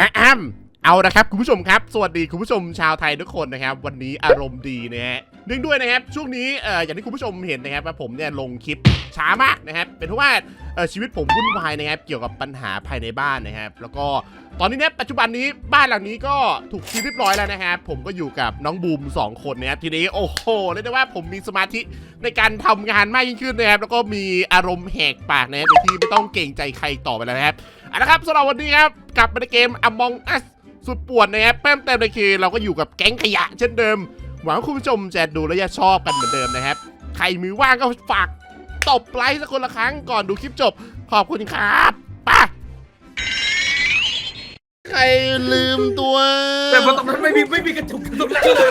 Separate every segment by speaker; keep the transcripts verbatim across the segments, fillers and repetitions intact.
Speaker 1: อ้ำเอานะครับคุณผู้ชมครับสวัสดีคุณผู้ชมชาวไทยทุกคนนะครับวันนี้อารมณ์ดีนะฮะเนื่องด้วยนะครับช่วงนี้เอ่ออย่างที่คุณผู้ชมเห็นนะครับว่าผมเนี่ยลงคลิปช้ามากนะครับเป็นเพราะว่าเอ่อชีวิตผมวุ่นวายนะครับเกี่ยวกับปัญหาภายในบ้านนะครับแล้วก็ตอนนี้เนี่ยปัจจุบันนี้บ้านหลังนี้ก็ถูกซื้อเรียบร้อยแล้วนะครับผมก็อยู่กับน้องบูมสองคนนะครับทีนี้โอ้โหเรียกได้ว่าผมมีสมาธิในการทำงานมากยิ่งขึ้นนะครับแล้วก็มีอารมณ์แหกปากนะครับโดยที่ไม่ต้องเกรงใจใครต่อไปแล้วนะครับเอาละครับสำหรับวันนี้ครับกลับมาในเกม Among Us สุดป่วนนะครับเพิ่มเติมเลยคือเราก็อยู่กับแก๊งขยะเช่นเดิมหวังว่าคุณผู้ชมจะดูและจะชอบกันเหมือนเดิมนะครับใครมือว่างก็ฝากตบไลค์สักคนละครั้งก่อนดูคลิปจบขอบคุณครับป่ะใครลืมตัว
Speaker 2: แต่ตรงนั้นไม่มีไม่มีกระจุกตรงนั้นเลย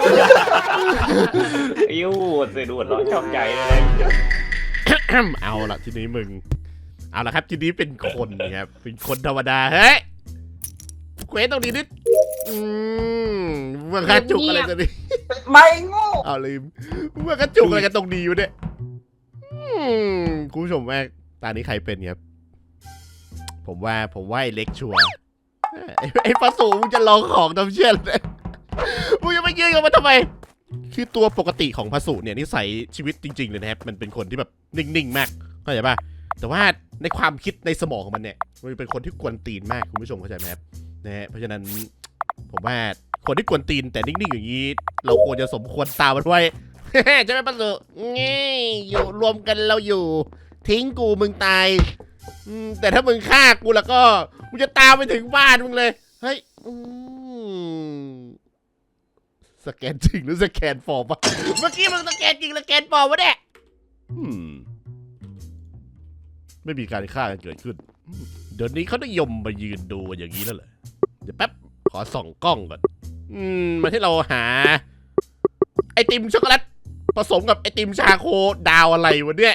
Speaker 3: ยิ้วเสียดูดร้อนชอบใจเลย
Speaker 1: เอาละทีนี้มึงเอาละครับทีนี้เป็นคนนะครับเป็นคนธรรมดาเฮ้ยเควสตรงนี้นิดอืมเมื่อกระจุกอะไรกันนี่
Speaker 2: ไม่โง่
Speaker 1: เอาลืมเมื่อกระจุกอะไรกันตรงนี้อยู่เนี่ยคุณผู้ชมว่าตอนนี้ใครเป็นครับผมว่าผมว่าไอ้เล็กชัวร์ไอ้ปลาสูมึงจะลองของทำเชี่ยเลยมึงจะไปยืนกับมันทำไมคือตัวปกติของพระสูเนี่ยนิสัยชีวิตจริงๆเลยนะครับมันเป็นคนที่แบบนิ่งๆมากเข้าใจป่ะแต่ว่าในความคิดในสมองของมันเนี่ยมันเป็นคนที่กวนตีนมากคุณผู้ชมเข้าใจไหมครับนะฮะเพราะฉะนั้นผมว่าคนที่กวนตีนแต่นิ่งๆอย่างนี้เราควรจะสมควรตามมันไว้ใช่ไหมปะสูงี้อยู่รวมกันเราอยู่ทิ้งกูมึงตายแต่ถ้ามึงฆ่ากูแล้วก็มึงจะตามไปถึงบ้านมึงเลยเฮ้ยสแกนจริงหรือสแกนฟอร์มวะเมื่อกี้มึงสแกนจริงหรือสแกนฟอร์มวะเนี่ยไม่มีการฆ่ากันเกิดขึ้นเดี๋ยวนี้เขานิยมมายืนดูอย่างนี้แล้วเหรอเดี๋ยวแป๊บขอส่องกล้องก่อนอืมมาให้เราหาไอติมช็อกโกแลตผสมกับไอติมชาโคดาวอะไรวะเนี่ย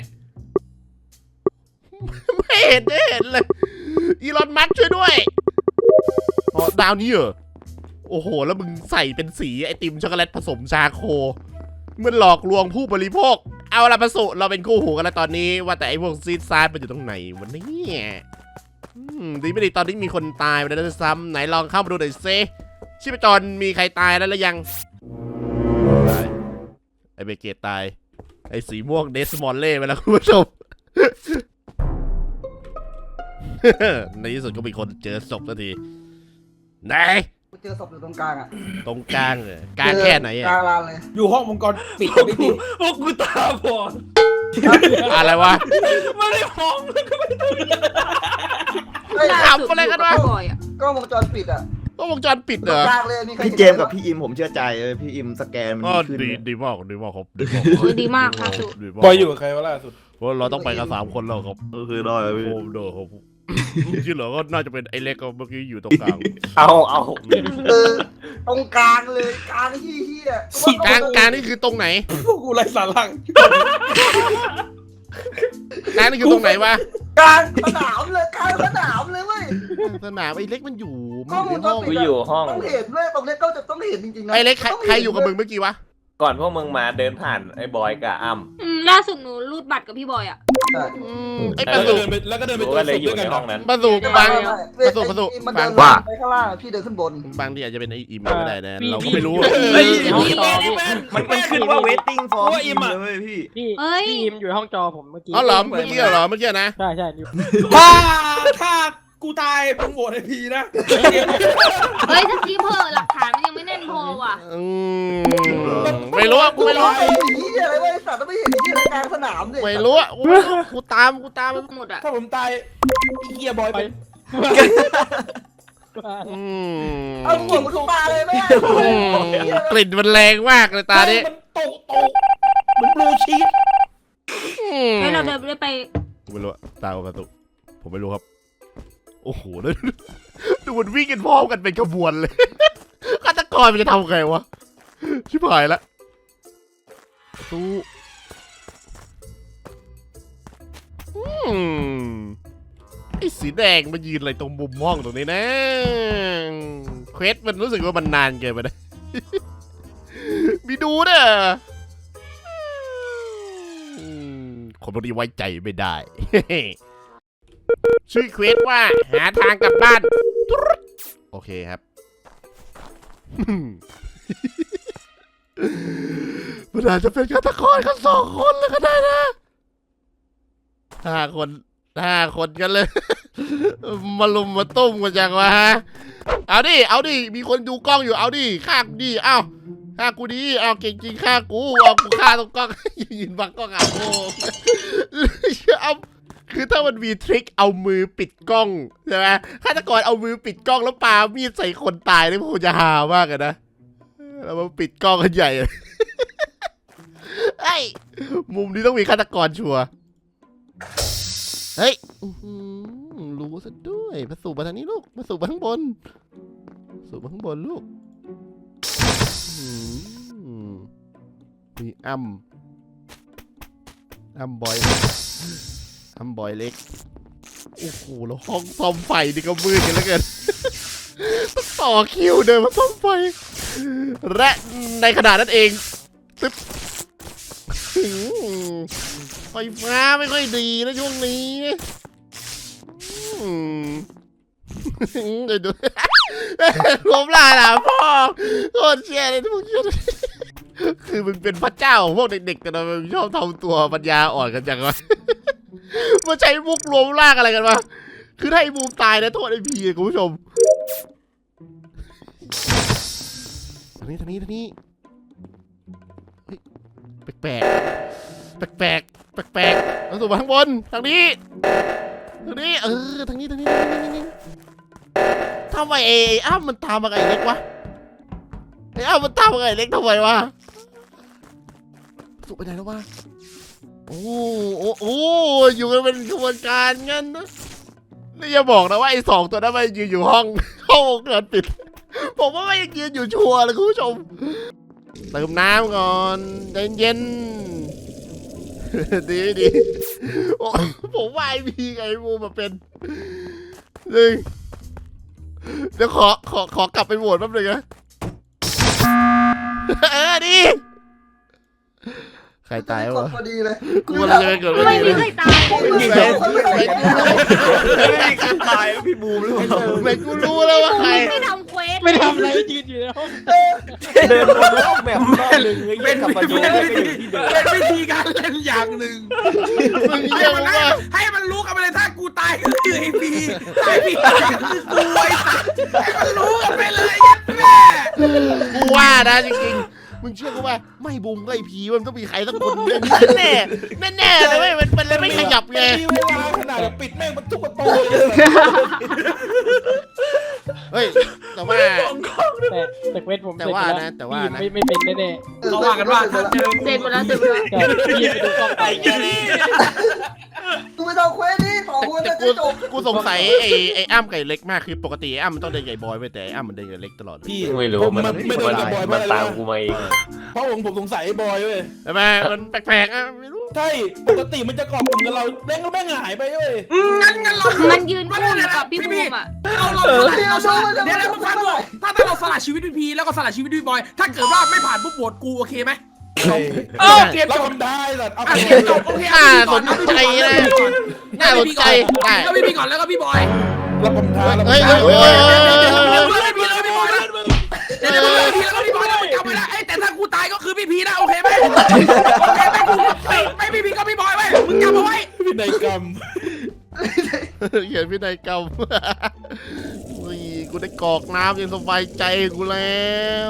Speaker 1: ไม่เห็นไม่เห็นเลยอีลอนมัสก์ช่วยด้วยอ๋อดาวนี้เหรอโอ้โหแล้วมึงใส่เป็นสีไอติมช็อกโกแลตผสมชาโคมันหลอกลวงผู้บริโภคเอาละประสุเราเป็นคู่หูกันแล้วตอนนี้ว่าแต่ไอพวกซีดซาร์มันอยู่ตรงไหนวันนี้ดีไม่ดีตอนนี้มีคนตายไปแล้วซ้ำไหนลองเข้ามาดูหน่อยซิชีพจรมีใครตายแล้วหรือยังตายไอเบเกตตายไอสีม่วงเดสมอลเล่ไปแล้วคุณผู้ชมในที่สุดก็มีคนเจอศพสักทีไหน
Speaker 2: เจอศพอยู่ตรงกลางอ่ะ
Speaker 1: ตรงกลางเลยกลางแค่ไหนอ่ะ
Speaker 2: กลางลานเลยอยู่ห้องมังกรปิดไม่ดี
Speaker 3: พวกกูตาบอด
Speaker 1: อะไรวะ
Speaker 3: ไม่ได้มอง
Speaker 1: ทำอะไรกันวะ
Speaker 2: ก็วงจรปิดอ่ะ
Speaker 1: ก็วงจรปิดเหรอ
Speaker 4: พี่เจมกับพี่อิมผมเชื่อใจเลยพี่อิมสแกนมันขึ้น
Speaker 1: ดีดีมากดีมากครับ
Speaker 5: ดีมากครับ
Speaker 2: บอยอยู่กับใครวะล่าสุด
Speaker 1: เพราะเราต้องไปกันสามคนแล้วครับ
Speaker 4: เออคือได้พี่
Speaker 1: โอ้เด้อครับที่เหลือก็น่าจะเป็นไอ้เล็กก็เมื่อกี้อยู่ตรงกลาง
Speaker 3: เอาเอา
Speaker 2: เออตรงกลางเลยกลางที่ที่อ่ะ
Speaker 1: กลางกลางนี่คือตรงไหน
Speaker 2: พวกกูไรสาระ
Speaker 1: กลางนี่คือตรงไหนวะ
Speaker 2: กลางสนามเลยกลางสนามเลยเว้ย
Speaker 1: สนามไอ้เล็กมันอยู่
Speaker 2: มันอยู่ห้อง
Speaker 3: กูอยู่ห้อง
Speaker 2: ต้องเห็นเลยตรงเล็กก็จะต้องเห็นจริงๆนะ
Speaker 1: ไอ้เล็กใครอยู่กับมึงเมื่อกี้วะ
Speaker 3: ก่อนพวกมึงมาเดินผ่านไอ้บอยกับอ้ำ
Speaker 5: อืมล่าสุดหนูรูดบัตรกับพี่บอยอ่ะ
Speaker 1: ไอ้ประตู
Speaker 3: แล้วก็เดินไปตัวเลยอยู่ในห้องนั้น
Speaker 1: ประตูบางประตูประตูบาง
Speaker 2: ว่าไปข้างล่างพี่เดินขึ้นบน
Speaker 1: บางที่อาจจะเป็นไอ้อิมก็ได้นะเราก็ไม่รู้
Speaker 4: มันมันขึ้นว่า waiting for อิมเลยพี่
Speaker 5: พี่พี่อิมอยู่ห้องจอผมเมื่อกี้
Speaker 1: อ๋อเหรอเมื่อกี้เหรอเมื่อกี้นะ
Speaker 5: ใช่ใช่
Speaker 2: ถ้าถ้ากูตายมึงโหวตไอพีนะ
Speaker 5: เฮ้ยถ้ากี้เพอหลักฐานมันยังไม่แน่นพอว่ะ
Speaker 1: ไม่รู้อ่ะกูไม่รู้
Speaker 2: ไอ้นี่อะไรวะไอ้สัตว์ไม่เห็นที่กลางสนามเลย
Speaker 1: ไม่รู้อ่ะกูตามกูตาม
Speaker 5: หมดอ่ะ
Speaker 2: ถ้าผมตายเฮียบอยไปเอาหัวมันทุกตาเลยแม่
Speaker 1: กลิ่นมันแรงมากเลยตานี้
Speaker 2: มันโตโตเหมือนบลูชีส
Speaker 5: แล้วเราเดินไป
Speaker 1: ไม่รู้ตาประตูผมไม่รู้ครับโอ้โหแล้วดูมันวิ่งกันพร้อมกันเป็นขบวนเลยฆาตกรมันจะทำไงวะชิบหายละตู้ไอ้สีแดงมายืนอะไรตรงมุมห้องตรงนี้นะเควสมันรู้สึกว่ามันนานเกินไปนะมีดูเด้อคนพวกนี้ไว้ใจไม่ได้ชื่อเควสว่าหาทางกลับบ้านโอโอเคครับ มันอาจจะเป็นฆาตกรกันสองคนเลยก็ได้นะห้าคนห้าคนกันเลย มาลุมมาตุ้มกันจังวะฮะเอาดิเอาดิมีคนดูกล้องอยู่เอาดิฆ่ากูดิเอ้าฆ่ากูดิเอาเก่งจริงฆ่ากูเอากูฆ่าตรงกล้อง ยืนบังกล้องอ่ะโอ้ เอาคือถ้ามันมีทริคเอามือปิดกล้องใช่ไหมฆาตกรเอามือปิดกล้องแล้วปามีดใส่คนตายนี่มันคงจะฮามากเลยนะแล้วมันปิดกล้องกันใหญ่เลย ไอ้มุมนี้ต้องมีฆาตกรชัวร์เฮ้ยอื้อหือรู้ซะด้วยมาสูบมาทางนี้ลูกมาสูบมาข้างบนสูบมาข้างบนลูกอื้อหือมีอ้ำอ้ำบอยอ้ำบอยเล็กโอ้โหแล้วห้องซ่อมไฟนี่ก็มืดกันแล้วเกิน ต่อคิวเดินมาซ่อมไฟและในขณะนั้นเองตึ๊บไฟฟ้าไม่ค่อยดีนะช่วงนี้เดี๋ยวดูล้มลาล่ะพ่อโคตรเชี่ยเลยทุกคนคือมึงเป็นพระเจ้าของพวกเด็กๆกันนะมึงชอบทำตัวปัญญาอ่อนกันจังวะมาใช้มุกรวมร่างอะไรกันวะคือถ้าไอ้บูมตายนะโทษไอ้พีคุณผู้ชมทางนี้ทางนี้ทางนี้เฮ้ยแปลกแปลกแปลกแปลกๆเราสู่มาข้างบนทางนี้ทางนี้เออทางนี้ทางนี้ทางนี้ทางนี้ทำไมไอ้อ้าวมันตามมาไอ้เล็กวะไอ้อ้าวมันตามมาไอ้เล็กทำไมวะสุไปไหนแล้ววะโอ้โอ้โอ้อยู่กันเป็นขบวนการงั้นนะนี่อย่าบอกนะว่าไอ้สองตัวนั้นมันยืนอยู่ห้องห้องเกิดปิดผมว่าไม่ยืนอยู่ชัวร์เลยคุณผู้ชมเติมน้ำก่อนใจเย็นดีดีผมว่าไอพีไอบูมาเป็นหนึ่งเดี๋ยวขอขอขอกลับไปโหวตแป๊บนึงนะเออดีใครตายวะ
Speaker 6: พอดีเลย
Speaker 1: กูอะไรจะไปเกิด
Speaker 5: ไม่
Speaker 1: ไม่
Speaker 5: มี
Speaker 1: ดี
Speaker 5: ใครตาย
Speaker 6: ไม่มีใครไม่มีใคร
Speaker 4: ไม่มีการตายพี่บูมหรือเปล่า
Speaker 1: ไม่กูรู้แล้วว่าใคร
Speaker 5: ไม่ทำเควส
Speaker 7: ไม่ทำอะไรยืนอยู่ในห้อง
Speaker 3: เดินวนรอบแบบรอบนึงไอ้เหี้ยกลับมาโยนไปอยู่ที่เดิม
Speaker 2: เป็นวิธีการเล่นอย่างหนึ่ง
Speaker 1: มึง
Speaker 2: ให้
Speaker 1: เรียก
Speaker 2: มัน
Speaker 1: ว่า
Speaker 2: ให้ให้มันรู้กันไปเลยถ้ากูตายก็คือไอ้พีตายพีตายก็คือกูไอ้สัตว์ให้มันรู้กันไปเลยยัดแม่
Speaker 1: กูว่านะจริงๆมึงเชื่อกูว่าไม่บูมก็ไอพีมันต้องมีใครสักคนแน่แน่แน่แน่เลยไม่มันมันเลยไม่ขยับไง
Speaker 2: มีเวลาขนาดแบบปิดแม่งมันทุกประตูเลย
Speaker 1: เฮ้ยแต่ว่า
Speaker 7: แต่แต่เควสผม
Speaker 1: แต่ว่านะแต่ว่านะ
Speaker 7: ไม่ไม่เป็นแน่
Speaker 2: เขาว่ากันว่าถ้าเจอ
Speaker 5: เสร็จหมดแล้วเสร็จหมดแล้ว
Speaker 7: ๆแต่พี่ไปดูกล้องไป
Speaker 6: กูไม่ต้องเควสนี่สองคน
Speaker 1: แต่
Speaker 6: จะ
Speaker 1: กู
Speaker 6: จบ
Speaker 1: กูสงสัยไอ้ไอ้อ้ำไก่เล็กมากคือปกติไอ้อ้ำมันต้องเดินใหญ่บอยไปแต่ไอ้อ้ำมันเดินใหญ่เล็กตลอด
Speaker 2: พี่
Speaker 3: ไม่รู้มัน
Speaker 2: ไม่โดนกับบอย
Speaker 3: มั
Speaker 2: มาน เลย
Speaker 3: ตาม
Speaker 2: นะ
Speaker 3: กูมาเอง
Speaker 2: เพราะผมผมสงสัยไอ้บอยเว้ย
Speaker 1: ใช่ไหมมันแปลกๆอ่ะไม่รู้
Speaker 2: ใช่ปกติมันจะเกาะกลุ่มกับเราแม่งก็แม่งหายไปเว้ยงั้นงั้นเรา
Speaker 5: มันยืนคู่อยู่กับพี่บูมอ่ะ
Speaker 2: เราเราเราสละเดี๋ยวเราฟังก่อนถ้าถ้าเราสละชีวิตพี่พีแล้วก็สละชีวิตพี่บอย ถ้าเกิดว่าไม่ผ่านปุ๊บโหวตกูโอเคไหมเออเกมจบได้สัตว์เอาเกมจบโอเค
Speaker 1: น่าสนใจนะน่าสนใจได้
Speaker 2: แล้วพี่พีก่อนแล้วก็พี่บอยแล้วผมท้าแล้ว
Speaker 1: เฮ้ยเฮ้ยเฮ้ย
Speaker 2: พี่พีแล้วพี่บอยนะเดี๋ยวพี่พีแล้วพี่บอยแล้วจำไว้นะไอ้แต่ถ้ากูตายก็คือพี่พีนะโอเคไหมโอเคไหมกูไม่ไม่พี่พีก็พี่บอยไว้มึงจำเอาไว้พินัยกรรม
Speaker 1: เขียนพินัยกรรมนี่กูได้กรอกน้ำยังสบายใจกูแล้ว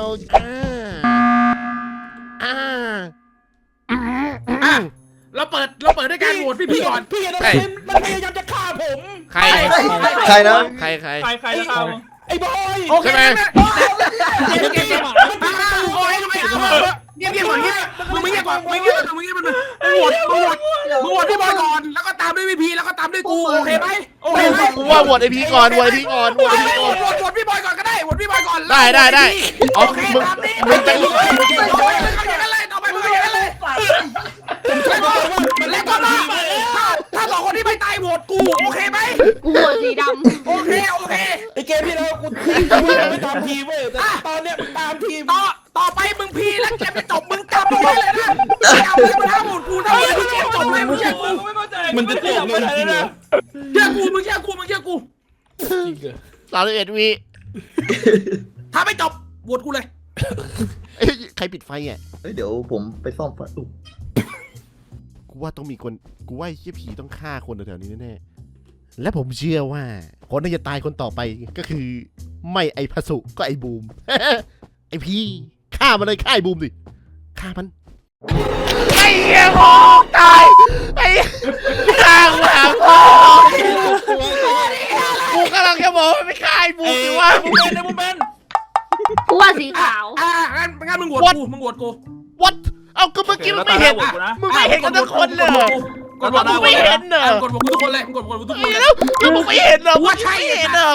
Speaker 1: อ่าอ่า
Speaker 2: อ่ะเราเปิดเราเปิดด้วยการโหวตพี่พีก่อนพี่นะมันพยายามจะฆ่าผม
Speaker 1: ใคร
Speaker 6: ใครนะ
Speaker 1: ใครใคร
Speaker 7: ใครใครจะท
Speaker 2: ไอ้บอย
Speaker 1: ใช่ไหม
Speaker 2: เงียบเงียบเงียบโอ้ยทำไมเงียบเงียบก่อนเงียบมึงไม่เงียบก่อนไม่เงียบมึงเงียบมันมึงโหวตมึงโหวตมึงโหวตพี่บอยก่อนแล้วก็ตามด้วยพี่พีแล้วก็ตามด้วยกูโอเคไหมโอเคไหม
Speaker 1: กูว่าโหวตไอพีก่อนโหวตไอพีก่อนโหวตไอพี
Speaker 2: โห
Speaker 1: ก่
Speaker 2: ว
Speaker 1: อน
Speaker 2: ตโหวตโหวตพี่บอยก่อนก็ได้โหวตพี่บอยก่อน
Speaker 1: ได้ได้ได้อ๋อ
Speaker 2: โอเค
Speaker 1: มึง
Speaker 2: ตามนี้
Speaker 1: มึงจะ
Speaker 2: ต่อไปมึงเอาอย่างนั้นเลยต่อไปมึงเอาอย่างนั้นเลยแล้วก็แล้วก็มาถ้าถ้าสองคนที่ไม่ตายโหวตกูโอเคไหม
Speaker 5: กูโหวตสีดำ
Speaker 2: โอเคโอเคไอเกมที่แล้วกูไม่ตามทีมเว้ยแต่ตอนเนี้ยมึงตามทีมต่อต่อไปมึงพีแล้วเกมจะจบมึงจำเอาไว้เลยนะจำเลยมันห้ามโหวตกูถ้ามึงเกมจบเลยมึงเชื่อกู
Speaker 7: มันจะจบเลยจริงเหรอ
Speaker 2: เชื่อกูมึงเชื่อกูมึงเชื่อกู
Speaker 1: สามสิบเอ็ดวิ
Speaker 2: ถ้าไม่จบโหวตกูเลย
Speaker 1: เอ้ยใครปิดไฟอ่ะ
Speaker 6: เฮ้ยเดี๋ยวผมไปซ่อมไฟอุ๊ย
Speaker 1: กูว่าต้องมีคนกูว่าไอ้เหี้ยผีต้องฆ่าคนแถวๆนี้แน่ๆและผมเชื่อว่าคนที่จะตายคนต่อไปก็คือ ไม่ไอพสุก็ไอบูม ไอพี่ฆ่ามันเลยฆ่าไอบูมดิฆ่ามันไอเหี้ยพ่อตายไอฆ่ากูหาพ่อกูกำลังจะบอกว่าไม่ฆ่าไอบูมดิวะ
Speaker 4: มึงเป็นนะมึงเป็น
Speaker 5: กูว่าสีขาว
Speaker 2: อ่างั้นงั้นมึงโหวตกูมึงโหวตกู
Speaker 1: what เอาก็เมื่อกี้มึงไม่เห็นมึงไม่เห็นกันทุกคนเลยเหรอก
Speaker 2: ดโหวต
Speaker 1: มึงไม่เห็นเหรอ
Speaker 2: กดโหวตกูทุกคนเลยกดโหวตกูทุกคนเลย
Speaker 1: แล้วแล้วมึงไม่เห็นเหรอ
Speaker 2: ว่าใช่
Speaker 1: ไม่เห็นเหรอ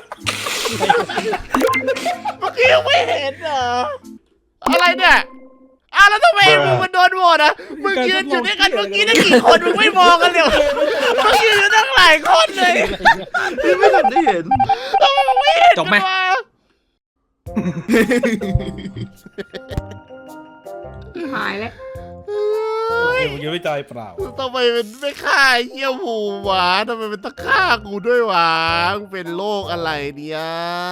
Speaker 1: เมื่อกี้ไม่เห็นเหรออะไรเนี่ยอ้าวแล้วทำไมมึงมันโดนโหวตอ่ะมึงยืนอยู่ด้วยกันเมื่อกี้ตั้งกี่คนมึงไม่มองกันเลยเมื่อกี้อยู่ตั้งหลายคนเลย
Speaker 6: พี่ไม่ทันได้เห็น
Speaker 1: ทำไมมึงไม่เห็น
Speaker 2: จบไหม
Speaker 1: วะ
Speaker 5: หายแล้ว
Speaker 8: มึงยังไม่ใจเปล่า
Speaker 1: ทำไมเป็นไม่ฆ่าไอ้เหี้ยหมูวะทำไมเป็นต้องฆ่ากูด้วยวะมึงเป็นโรคอะไรเนี่ย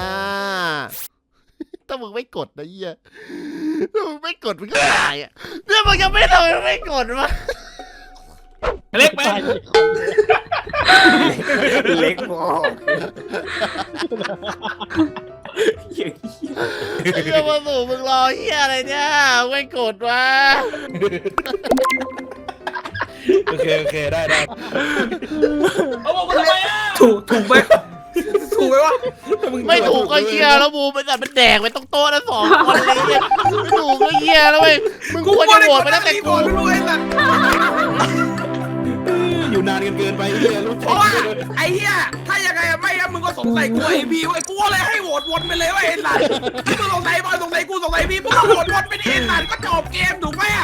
Speaker 1: ถ้ามึงไม่กดนะเหี้ยถ้ามึงไม่กดมึงก็ตายอ่ะเนี่ยมึงยังไม่ทำไมมึงไม่กดวะ
Speaker 4: เล็กเป็น
Speaker 3: เล็กพอ
Speaker 1: เหี้ยมาสู่มึงรอเหี้ยอะไรเนี่ยไม่กดวะ
Speaker 8: โอเคโอเคได้ได้
Speaker 4: เอาบอกกูทำไมอ่ะ
Speaker 2: ถูกถูกไหมถูกไหมวะ
Speaker 1: ไม่ถูกก็เหี้ยแล้วบูมมันจัดเป็นแดกไปต้องโต๊ะนะสองคนเลยเหี้ยไม่ถูกก็เหี้ยแล้วเว้ยมึงควรจะโหวตไปตั้งแต่กู
Speaker 2: ไม่รู้ไอ้สัตว์
Speaker 8: อยู่นานกันเกินไปเฮียรู้
Speaker 2: เพราะว่าไอ้เหี้ยถ้ายังไงไม่อะมึงก็สงสัยกูไอ้พี่ไอ้กูเลยให้โหวตวนไปเลยว่าไอ้สัตว์มึงสงสัยบอยสงสัยกูสงสัยพี่มึงก็โหวตวนไปดิไอ้สัตว์ก็จบเกมถูกไหมอะ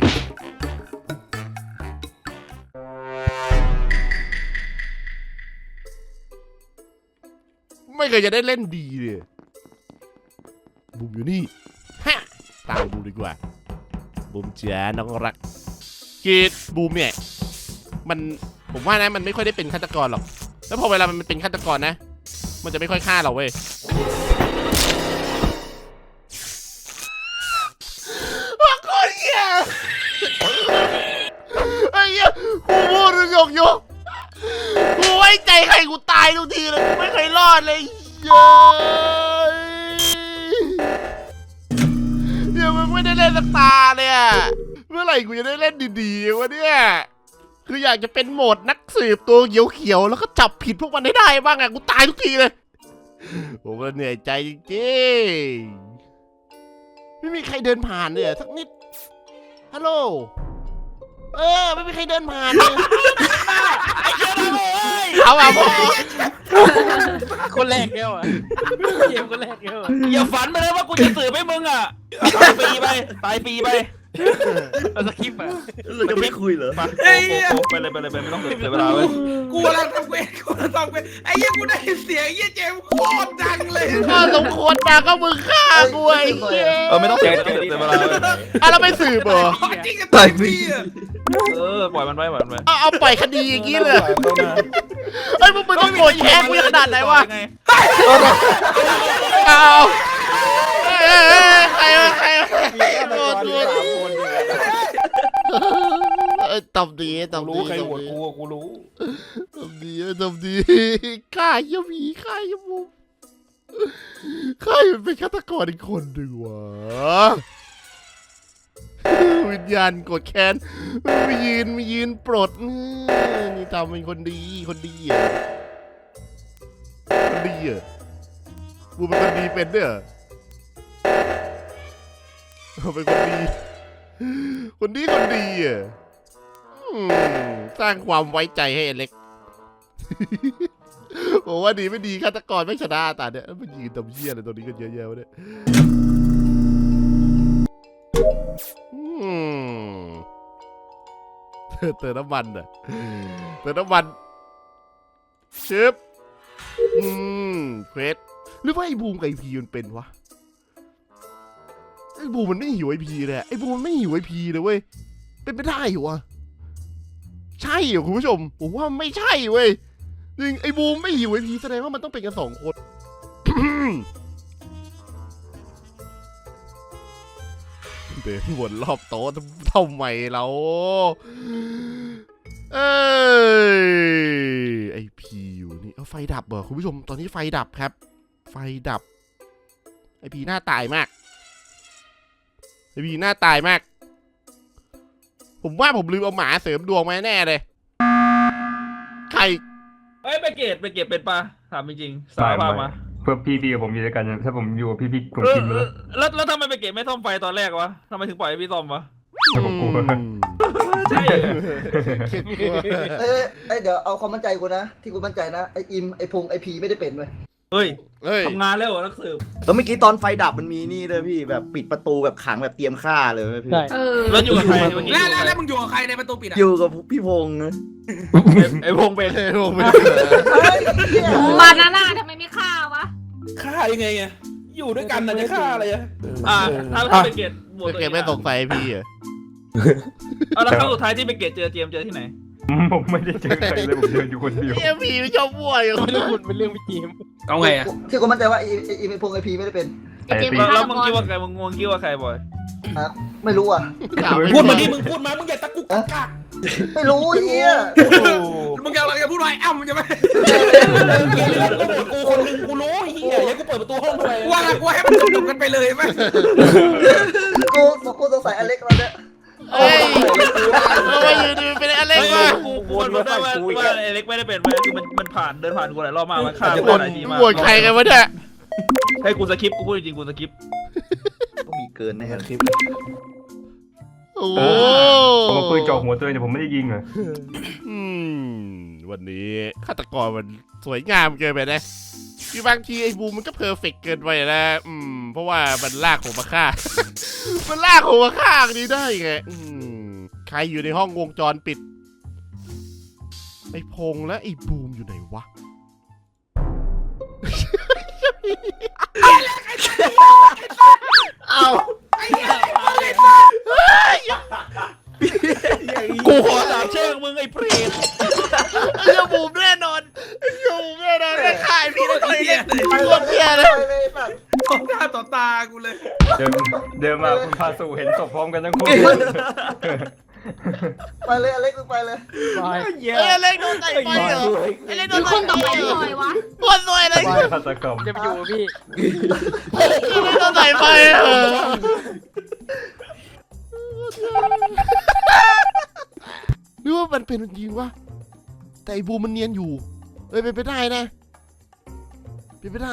Speaker 1: ไม่เคยจะได้เล่นดีเลยบูมอยู่นี่ฮะตามบูมดีกว่าบูมจ้าน้องรักกีดบูมเนี่ยมันผมว่านะมันไม่ค่อยได้เป็นฆาตกรหรอกแล้วพอเวลามันเป็นฆาตกรนะมันจะไม่ค่อยฆ่าเราเว้ยว่าคนเหี้ยไอ้เหี้ยกูพูดยกยกกูไว้ใจใครกูตายทุกทีเลยกูไม่เคยรอดเลยเย้ยเดี๋ยวมึงไม่ได้เล่นสักตาเลยอะเมื่อไหร่กูจะได้เล่นดีๆวะเนี่ยคืออยากจะเป็นโหมดนักสืบตัวเขียวๆแล้วก็จับผิดพวกมันให้ได้บ้างอะกูตายทุกทีเลยผมก็เหนื่อยใจจริงๆไม่มีใครเดินผ่านเลยสักนิดฮัลโหลเออไม่มีใครเดินผ่านเลยเอาอ่ะพ่อ
Speaker 7: คนแรกเดียวอ่ะเกมคนแรกเดียวอ่ะ
Speaker 4: อย่าฝันไปเลยว่ากูจะสืบให้มึงอ่ะตายปีไปตายปีไป
Speaker 7: เอาสคริปต์อ่ะ
Speaker 6: เราจะไม่คุยเหรอ
Speaker 2: ไอ้เหี้ย
Speaker 4: ไปเลยไปเลยไปไม่ต้องเสียเวลาเว้ย
Speaker 2: กูกำลังทำเวทกูกำลังทำเวทไอ้เหี้ยกูได้เสียงไอ้เหี้ยเจมส์โคตรดังเลย
Speaker 1: ถ้าสมควรมาก็มึงฆ่ากูไอ้เหี้ย
Speaker 4: เออไม่ต้องเสียเสียเวลาเว้ย
Speaker 1: อ่ะเราไม่สืบเหรอ
Speaker 2: จริงกับตายพี่อะ
Speaker 4: เออปล่อยมันไปปล่อยมันไป
Speaker 1: เอาเอาปล่อยคดีอย่างงี้เลยเอ้ยมึงมึงต้องโกรธแค้นกูขนาดไหนวะเอาเอ้ยใครวะใครวะโกรธโกรธเอ้ยตบดีตบดี
Speaker 8: รู้ใครโหวตกูอะกูรู้
Speaker 1: ตบดีตบดีฆ่าเหี้ยผีฆ่าเหี้ยมุมฆ่ามันเป็นฆาตกรอีกคนหนึ่งวะวิญญาณกดแค้นมายืนมายืนปลดนี่ทำเป็นคนดีคนดีอ่ะคนดีอ่ะกูเป็นคนดีเป็นเนี่ยเป็นคนดีคนดีคนดีอ่ะสร้างความไว้ใจให้เล็กผมว่าดีไม่ดีฆาตกรไม่ชนะตาเนี่ยมันยืนตำเชี่ยอะไรตัวนี้กันเยอะแยะวะเนี่ยเติมเติมน้ำมันอ่ะเติมน้ำมันชึบอืมเควสหรือว่าไอ้บูมกับไอพีมันเป็นวะไอ้บูมมันไม่หิวไอพีเลยไอ้บูมมันไม่หิวไอพีเลยเว้ยเป็นไปได้เหรอวะใช่เหรอคุณผู้ชมผมว่าไม่ใช่เว้ยจริงไอ้บูมไม่หิวไอพีแสดงว่ามันต้องเป็นกันสองคนเดินวนรอบโต๊ะทำไมเราเอ้ยไอพีอยู่นี่เอาไฟดับเหรอคุณผู้ชมตอนนี้ไฟดับครับ ไฟดับไอพีหน้าตายมากไอพีหน้าตายมาก ผมว่าผมลืมเอาหมาเสริมดวงมาแน่เลยใคร
Speaker 4: เอ้ยไปเกตไปเกตเป็นปะถามจริงๆสายพามา
Speaker 9: เพื่อพี่พี่กับผมอยู่ด้วยกันถ้าผมอยู่กับพี่พี่ผม
Speaker 4: เออ
Speaker 9: กินไปแล้ว
Speaker 4: แล้วแล้วทำไมไปเกตไม่ซ่อมไฟตอนแรกวะทำไมถึงปล่อยให้พี่ซ่อมวะ
Speaker 9: แต่ผมกลัว
Speaker 4: ใช่เหรอ
Speaker 3: เอ้ยเอ้ยเดี๋ยวเอาความมั่นใจกูนะที่กูมั่นใจนะไออิมไอพงไอพีไม่ได้เป็นเว้ย
Speaker 4: เฮ้ย
Speaker 1: เฮ้ย
Speaker 4: ทำงานแล้วเหรอนักสืบ
Speaker 6: แล้วเมื่อกี้ตอนไฟดับมันมีนี่เลยพี่แบบปิดประตูแบบขังแบบเตรียมฆ่าเลยเว้ยพี่
Speaker 7: ใช่
Speaker 5: เออ
Speaker 4: แล้วอยู่กับใครเมื่อกี้
Speaker 2: แล้วแล้วแล้วมึงอยู่กับใครในประตูปิดอ่ะ
Speaker 6: อยู่กับพี่พงษ์นะ
Speaker 4: ไอ้พงเป็น
Speaker 1: เฮ้ยผมไม่
Speaker 3: เฮ้ยเหี้ย
Speaker 5: บานาน่าทำไมไม่ฆ่าวะ
Speaker 8: ฆ่ายังไงไงอยู่ด้วยกันน่ะจะฆ่าอะไรอะ
Speaker 4: อ่าถ้าถ้าไปเกตบวก
Speaker 1: เกมไม่สงสัยพี่เหรอ
Speaker 4: เอาแล้วครั้งสุดท้ายที่ไปเกตเจอเจมส์เจอที่ไหน
Speaker 9: ผมไม่ได้เจอใครเลยผมเดินอยู่คนเดียว
Speaker 1: เอ็มพีไม่ชอบมั่วอยู่
Speaker 7: ไม่รู้คุณเป็นเรื่องพี่จีม
Speaker 2: เอาไงอ่ะ
Speaker 3: ที่กูมั่นใจว่าไอไออิมไอพงไอพีไม่ได้เป็น
Speaker 5: ไอเจมส์
Speaker 4: แล้ว
Speaker 5: ฆ่า
Speaker 4: แล้ว
Speaker 5: ตะ
Speaker 4: มึง
Speaker 5: กอ
Speaker 4: คิด
Speaker 5: น
Speaker 4: ว่าใครมึงงงคิดว่าใครบอย
Speaker 3: ฮะไม่รู้อ่ะ
Speaker 8: พูดมาดิมึงพูดมามึงอย่าตะกุกตะกัก
Speaker 3: ไม่รู้ไอ้เหี้ย
Speaker 2: มึงกำลังจะพูดอะไรอ้าวมึงจะไม่
Speaker 8: กูคนหนึ่งกูรู้ไอ้เหี้ยอย่ากูเปิดประตูห้องทำไม
Speaker 2: ว่าว่าให้มันจบกันไปเลยไหม
Speaker 3: กูกูสงสัยอเล็กแล้วเนี่ย
Speaker 1: เฮ้ยทำไมอยู่ดีเป็นอะไร
Speaker 4: เฮ้ยว
Speaker 1: ะ
Speaker 4: กูกูมันรู้ได้ว่าว่าไอ้เล็กไม่ได้เป็นเว้ยคือมันมันผ่านเดินผ่านกูหลายรอบมากมันฆ่ากู
Speaker 1: บ่น
Speaker 4: หลายทีมาก
Speaker 1: บ่นใครกันวะเนี่ย
Speaker 4: ให้กูสคริปต์กูพูดจริงๆกูสคริปต์
Speaker 6: ก็มีเกินแน่เลย
Speaker 1: โอ้
Speaker 9: ผมเอาปืนจ่อหัวตัวเองแต่ผมไม่ได้ยิงอ่ะ
Speaker 1: อืมวันนี้ฆาตกรมันสวยงามเกินไปนะคือบางทีไอ้บูมมันก็เพอร์เฟกต์เกินไปนะอืมเพราะว่ามันลากผมมาฆ่า มันลากผมมาฆ่าอันนี้ได้ไงอืมใครอยู่ในห้องวงจรปิดไอ้พงษ์และไอ้บูมอยู่ไหนวะ เอา
Speaker 4: กูขอสาบแช่งมึงไอ้เปรต
Speaker 1: ไอ้เหี้ยบูมแน่นอนไอ้เหี้ยบูมแน่นอนไม่ขายพี่ได้เลยเนี่ยโคตรเหี้ยเลย
Speaker 3: ไปเลยแบบ
Speaker 2: ต่อหน้าต่อตากูเลย
Speaker 9: เดินเดินมาคุณพาสู่เห็นศพพร้อมกันทั้งคู่
Speaker 3: ไปเลยอเล็กมึงไปเลย
Speaker 7: บาย
Speaker 1: เอ้ยเล็กโดนไต่ไฟเหรอไอ้เล็กโด
Speaker 5: เป็น
Speaker 1: น
Speaker 5: คนต่อไปหน่อยวะ
Speaker 1: คนรวยเลย
Speaker 9: บายฆาตกรรม
Speaker 7: จะไปอยู่กับพี่
Speaker 1: ไอ้เล็กโดนไต่ไฟเหรอหรือว่ามันเป็นจริงวะแต่ไอ้บูมมันเนียนอยู่เอ้ยเป็นไปได้นะเป็นไปได้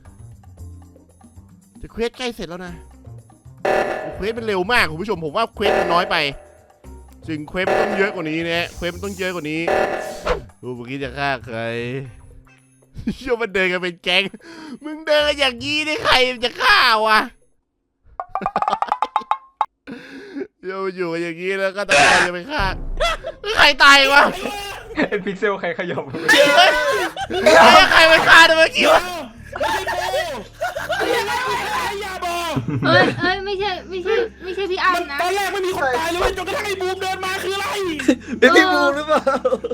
Speaker 1: แต่เควสใกล้เสร็จแล้วนะเควสมันเร็วมากคุณผู้ชมผมว่าเควสมันน้อยไปจึงเควสมันต้องเยอะกว่านี้นะเควสมันต้องเยอะกว่านี้ดูเมื่อกี้จะฆ่าใครเชื่อมันเดินกันเป็นแก๊งมึงเดินกันอย่างนี้ได้ใครมันจะฆ่าวะเดี๋ยวอยู่กันอย่างนี้แล้วก็ต้องใครจะไปฆ่าใครตายวะ
Speaker 9: ไอ้พิกเซลใครขยับ
Speaker 1: เฮ้ยใครไปฆ่าเมื่อกี้วะ
Speaker 5: เอ้ยเอ้ยไม่ใช่ไม่ใช่ไม่ใช่พี่อ้ำนะ
Speaker 8: ตอนแรกไม่มีคนตายเลยเว้ยจนกระทั่งไอ้บูมเดินมาคืออะไร
Speaker 6: เป็นพี่บูมหรือเปล่าม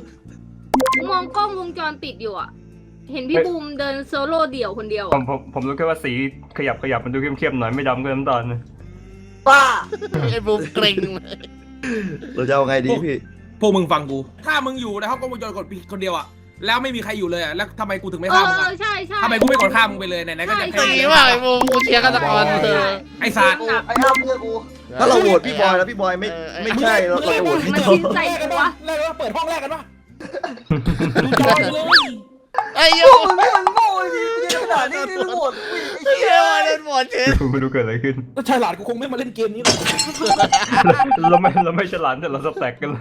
Speaker 5: องกล้องวงจรปิดอยู่อ่ะ เห็นพี่บูมเดินโซโล่เดี่ยวคนเดียว
Speaker 9: ผ
Speaker 5: อ่ะ
Speaker 9: มผมผมรู้แค่ว่าสีขยับขยับมันดูเข้มๆหน่อยไม่ดำก็น้ำตาลนะ
Speaker 3: ป้า
Speaker 1: ไอ้บูมเกรงเลย
Speaker 6: เราจะเอาไงดีพี่
Speaker 2: พวกมึงฟังกู ถ้ามึงอยู่ในห้องกล้องวงจรปิดคนเดียวอ่ะ แล้วไม่มีใครอยู่เลยอ่ะ แล้วทำไมกูถึงไม่
Speaker 5: เอ
Speaker 2: ฆ่ามึง
Speaker 5: อ
Speaker 2: อ่ะ
Speaker 5: ใช่ใช่
Speaker 2: ทำไมกูไม่กดฆ่ามึงไปเลยไหนๆก็จะ
Speaker 5: ใช่
Speaker 1: ตีว่าไอ้บูมกูเชียร์ฆาตกรเธอ
Speaker 2: ไอ้สัตว์
Speaker 3: ไอ้อ้ำเพื่อนกู
Speaker 6: ถ้าเราโหวตพี่บอยแล้วพี่บอยไม่ไม่ใช่เราเราจะโหวตพี่
Speaker 5: มัน
Speaker 6: จอ
Speaker 5: กินใส่กูวะ
Speaker 8: แรกว่าเปิดห้องแรกกันปะดูจอเลย
Speaker 1: ไอ้
Speaker 3: พ
Speaker 1: ยู
Speaker 3: วกมึงนี่มันโง่จริงๆขนาดนี้นี่มึงหมดไอ้
Speaker 1: เชี
Speaker 3: เหี้
Speaker 1: ย
Speaker 3: ย
Speaker 1: ร์โดนหมดเชียร์
Speaker 9: ไม่รู้เกิดอะไรขึ้น
Speaker 8: ถ้าฉลาดกูคงไม่มาเล่นเกมนี้หรอก
Speaker 9: เราไม่เราไม่ฉลาดแต่เราสแต็กกันแล้ว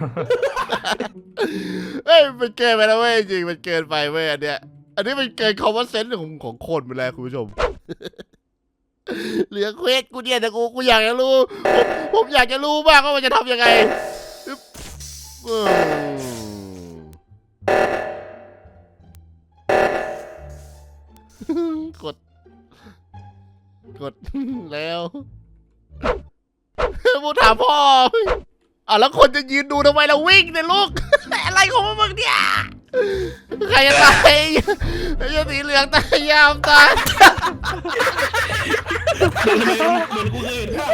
Speaker 1: เอ้ยมันเกินไปแล้วเว้ยจริงมันเกินไปเว้ยอันเนี้ยอันนี้มันเกินคอมมอนเซนส์ของของคนไปแล้วคุณผู้ชม เหลือเควสกูเนี่ยแต่กูกูอยากจะรู้ผมผมอยากจะรู้บ้างว่ามันจะทำยังไงอึ๊บอืมกด กด แล้วมูถามพ่ออ่ะแล้วคนจะยืนดูทำไมเราวิ่งเนี่ยลูก อะไรของมึงเนี่ยใครจะตายไอ้เจ้าสีเหลืองตายยาวตาย
Speaker 8: เหมือนกูเคยเห็นภาพ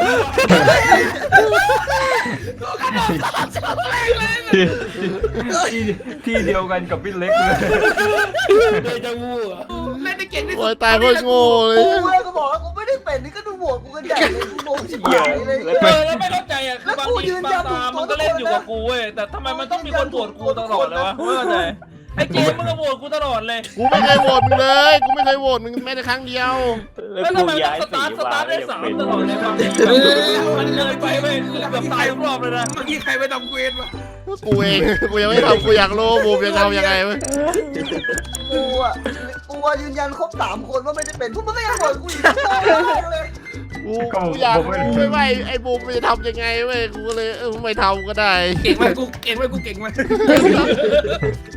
Speaker 8: นี้ว่ะ
Speaker 9: ที่ที่เดียวกันกับพี่เล็กเลย
Speaker 8: เดจาวูอ่ะ
Speaker 2: เล่นได้เก่งที่สุ
Speaker 1: โอ้
Speaker 2: ด
Speaker 1: ยตายโคตรโง่เลย
Speaker 3: กูเลยก็บอกแล้วกูไม่ได้เป็นนี่ก็ดูโหวตกูกันใหญ่เลยกูงงชิบหายเลย
Speaker 8: เออแล้วไม่เข้าใจอ่ะคือบางทีบางตามันก็เล่นอยู่กับกูเว้ยแต่ทำไมมันต้องมีคนโหวตกูตลอดเลยวะไม่เข้าใจไอ้เจมมึงก็โหวตกูตลอดเลย
Speaker 1: กูไม่เคยโหวตมึงเลยกูไม่เคยโหวตมึงแม้แต่ครั้งเดียว
Speaker 4: แล้ว
Speaker 7: แล้ว
Speaker 4: กู
Speaker 7: ทำไมต้
Speaker 4: ย้า
Speaker 7: อง
Speaker 4: ย
Speaker 7: ส
Speaker 4: สี
Speaker 7: ตาร์ทส
Speaker 4: มา
Speaker 7: ตาร์ทได้
Speaker 4: ยัง
Speaker 7: สาม
Speaker 4: เป็น
Speaker 7: ตลอดเลยบางทีมันเลยไปเว้ยคือแบบตายทุกรอบเลยนะ
Speaker 2: เมื่อกี้ใครไปทำเควสวะ
Speaker 1: กูเองกูยังไม่ทำกูอยากรู้บูมจะทำยังไงเว้ย
Speaker 3: กูอ่ะกูอ่ะยืนยันครบสามคนว่าไม่ได้เป็นพวกมึงไม่ยังบ่นกูอีกเลย
Speaker 1: กูกูอยากรู้ไม่ไหวไอ้บูมมันจะทำยังไงเว้ยกูก็เลยเออไม่ทำก็ได้
Speaker 2: เก่งไหมกูเก่งไหมกูเก่งไหม